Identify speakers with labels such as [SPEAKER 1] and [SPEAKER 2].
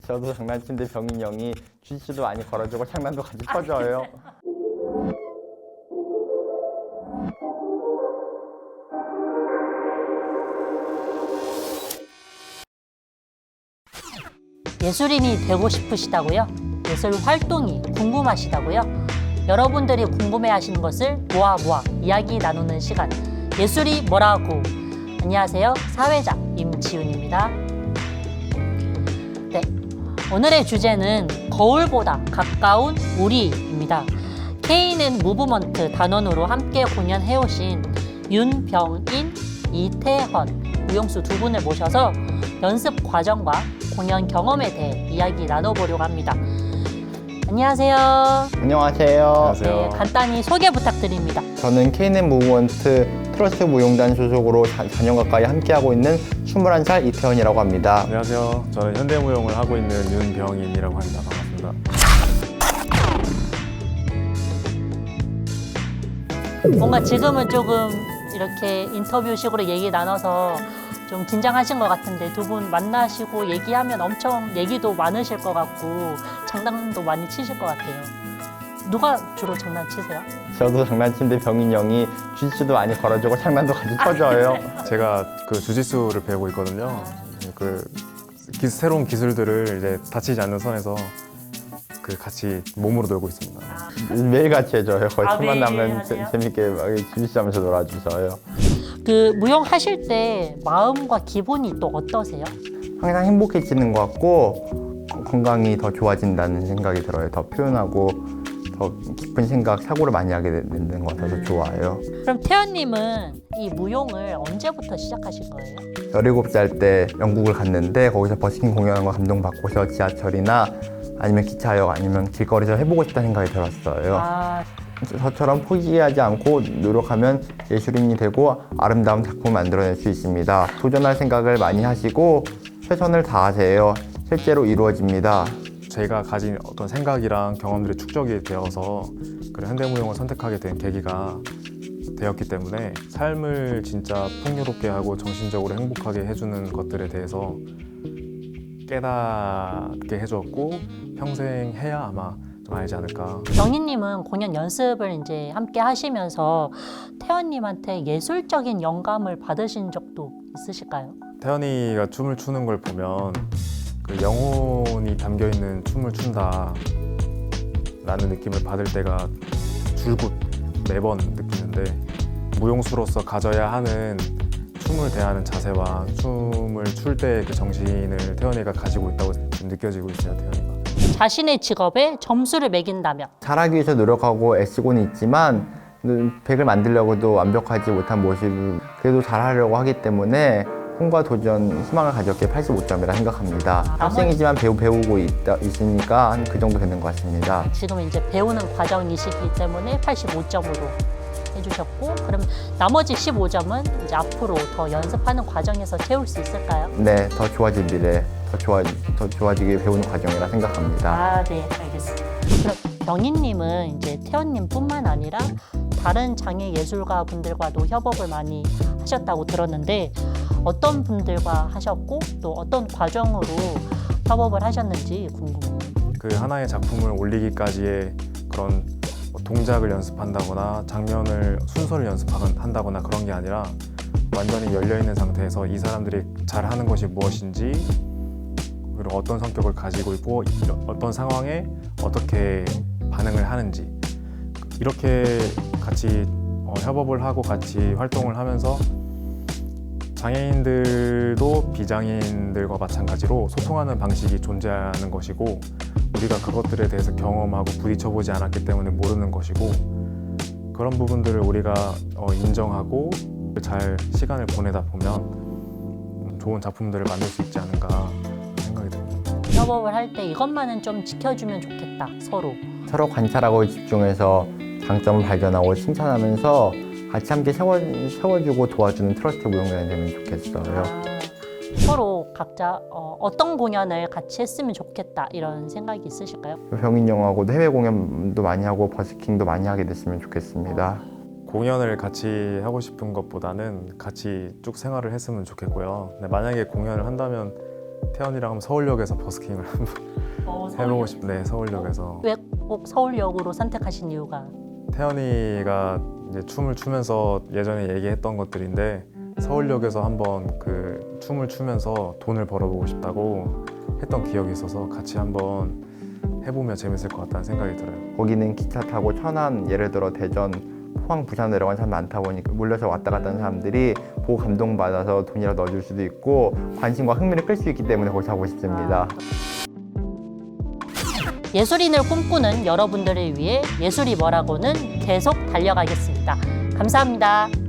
[SPEAKER 1] 저도 장난친데 병인 형이 주짓수도 많이 걸어주고 장난도 같이 쳐줘요.
[SPEAKER 2] 예술인이 되고 싶으시다고요? 예술 활동이 궁금하시다고요? 여러분들이 궁금해하시는 것을 모아 이야기 나누는 시간, 예술이 뭐라고. 안녕하세요, 사회자 임지훈입니다. 네, 오늘의 주제는 거울보다 가까운 우리입니다. K는 무브먼트 단원으로 함께 공연해오신 윤병인, 이태헌, 우용수 두 분을 모셔서 연습 과정과 공연 경험에 대해 이야기 나눠보려고 합니다. 안녕하세요.
[SPEAKER 1] 안녕하세요.
[SPEAKER 2] 네, 간단히 소개 부탁드립니다.
[SPEAKER 1] 저는 K는 무브먼트 트러스트 무용단 소속으로 4년 가까이 함께하고 있는 21살 이태원이라고 합니다.
[SPEAKER 3] 안녕하세요. 저는 현대무용을 하고 있는 윤병인이라고 합니다. 반갑습니다.
[SPEAKER 2] 뭔가 지금은 조금 이렇게 인터뷰식으로 얘기 나눠서 좀 긴장하신 것 같은데 두 분 만나시고 얘기하면 엄청 얘기도 많으실 것 같고 장난도 많이 치실 것 같아요. 누가 주로 장난치세요?
[SPEAKER 1] 저도 장난친데 병인 형이 주짓수도 많이 걸어주고 장난도 같이 쳐줘요.
[SPEAKER 3] 제가 그 주짓수를 배우고 있거든요. 새로운 기술들을 이제 다치지 않는 선에서 같이 몸으로 놀고 있습니다.
[SPEAKER 1] 매일 같이 해줘요. 거의 틈만
[SPEAKER 2] 매일
[SPEAKER 1] 나면
[SPEAKER 2] 하세요?
[SPEAKER 1] 재밌게 막 주짓수 하면서 놀아주셔요.
[SPEAKER 2] 그 무용 하실 때 마음과 기분이 또 어떠세요?
[SPEAKER 1] 항상 행복해지는 것 같고 건강이 더 좋아진다는 생각이 들어요. 더 표현하고 더 깊은 생각, 사고를 많이 하게 되는 것 같아서 좋아요.
[SPEAKER 2] 그럼 태연님은 이 무용을 언제부터 시작하신 거예요?
[SPEAKER 1] 17살 때 영국을 갔는데 거기서 버스킹 공연한 거 감동받고서 지하철이나 아니면 기차역 아니면 길거리에서 해보고 싶다는 생각이 들었어요.
[SPEAKER 2] 아,
[SPEAKER 1] 저처럼 포기하지 않고 노력하면 예술인이 되고 아름다운 작품을 만들어낼 수 있습니다. 도전할 생각을 많이 하시고 최선을 다하세요. 실제로 이루어집니다.
[SPEAKER 3] 제가 가진 어떤 생각이랑 경험들이 축적이 되어서 현대무용을 선택하게 된 계기가 되었기 때문에 삶을 진짜 풍요롭게 하고 정신적으로 행복하게 해주는 것들에 대해서 깨닫게 해줬고 평생 해야 아마 좀 알지 않을까.
[SPEAKER 2] 병인님은 공연 연습을 이제 함께 하시면서 태연님한테 예술적인 영감을 받으신 적도 있으실까요?
[SPEAKER 3] 태연이가 춤을 추는 걸 보면 영혼이 담겨있는 춤을 춘다 라는 느낌을 받을 때가 줄곧 매번 느끼는데 무용수로서 가져야 하는 춤을 대하는 자세와 춤을 출 때의 그 정신을 태연이가 가지고 있다고 지금 느껴지고 있어요. 태연이가
[SPEAKER 2] 자신의 직업에 점수를 매긴다면?
[SPEAKER 1] 잘하기 위해서 노력하고 애쓰고는 있지만 100을 만들려고도 완벽하지 못한 모습을 그래도 잘하려고 하기 때문에 꿈과 도전, 희망을 가졌기에 85점이라 생각합니다. 학생이지만 배우고 있으니까 한 그 정도 되는 것 같습니다.
[SPEAKER 2] 지금 이제 배우는 과정이시기 때문에 85점으로 해주셨고, 그럼 나머지 15점은 이제 앞으로 더 연습하는 과정에서 채울 수 있을까요?
[SPEAKER 1] 네, 더 좋아질 미래, 더 좋아지게 배우는 과정이라 생각합니다.
[SPEAKER 2] 아, 네, 알겠습니다. 그럼 병인님은 이제 태연님뿐만 아니라 다른 장애 예술가 분들과도 협업을 많이 하셨다고 들었는데 어떤 분들과 하셨고 또 어떤 과정으로 협업을 하셨는지 궁금해요.
[SPEAKER 3] 그 하나의 작품을 올리기까지의 그런 동작을 연습한다거나 장면을 순서를 연습한다거나 그런 게 아니라 완전히 열려있는 상태에서 이 사람들이 잘하는 것이 무엇인지 그리고 어떤 성격을 가지고 있고 어떤 상황에 어떻게 반응을 하는지 이렇게 같이 협업을 하고 같이 활동을 하면서 장애인들도 비장애인들과 마찬가지로 소통하는 방식이 존재하는 것이고 우리가 그것들에 대해서 경험하고 부딪혀보지 않았기 때문에 모르는 것이고 그런 부분들을 우리가 인정하고 잘 시간을 보내다 보면 좋은 작품들을 만들 수 있지 않은가 생각이 듭니다.
[SPEAKER 2] 협업을 할 때 이것만은 좀 지켜주면 좋겠다, 서로.
[SPEAKER 1] 서로 관찰하고 집중해서 장점을 발견하고 칭찬하면서 같이 함께 세워주고 도와주는 트러스트 무용단이 되면 좋겠어요.
[SPEAKER 2] 서로 각자 어떤 공연을 같이 했으면 좋겠다 이런 생각이 있으실까요?
[SPEAKER 1] 병인 형하고도 해외 공연도 많이 하고 버스킹도 많이 하게 됐으면 좋겠습니다.
[SPEAKER 3] 공연을 같이 하고 싶은 것보다는 같이 쭉 생활을 했으면 좋겠고요. 근데 만약에 공연을 한다면 태연이랑 한번 서울역에서 버스킹을 한번 해보고 싶네. 서울역에서.
[SPEAKER 2] 왜 꼭 서울역으로 선택하신 이유가?
[SPEAKER 3] 태연이가 이제 춤을 추면서 예전에 얘기했던 것들인데 서울역에서 한번 그 춤을 추면서 돈을 벌어보고 싶다고 했던 기억이 있어서 같이 한번 해보면 재밌을 것 같다는 생각이 들어요.
[SPEAKER 1] 거기는 기차 타고 천안, 예를 들어 대전, 포항, 부산 내려가는 사람 많다 보니까 몰려서 왔다 갔다 하는 사람들이 보고 감동받아서 돈이라도 넣어줄 수도 있고 관심과 흥미를 끌 수 있기 때문에 거기서 하고 싶습니다.
[SPEAKER 2] 예술인을 꿈꾸는 여러분들을 위해 예술이 뭐라고는 계속 달려가겠습니다. 감사합니다.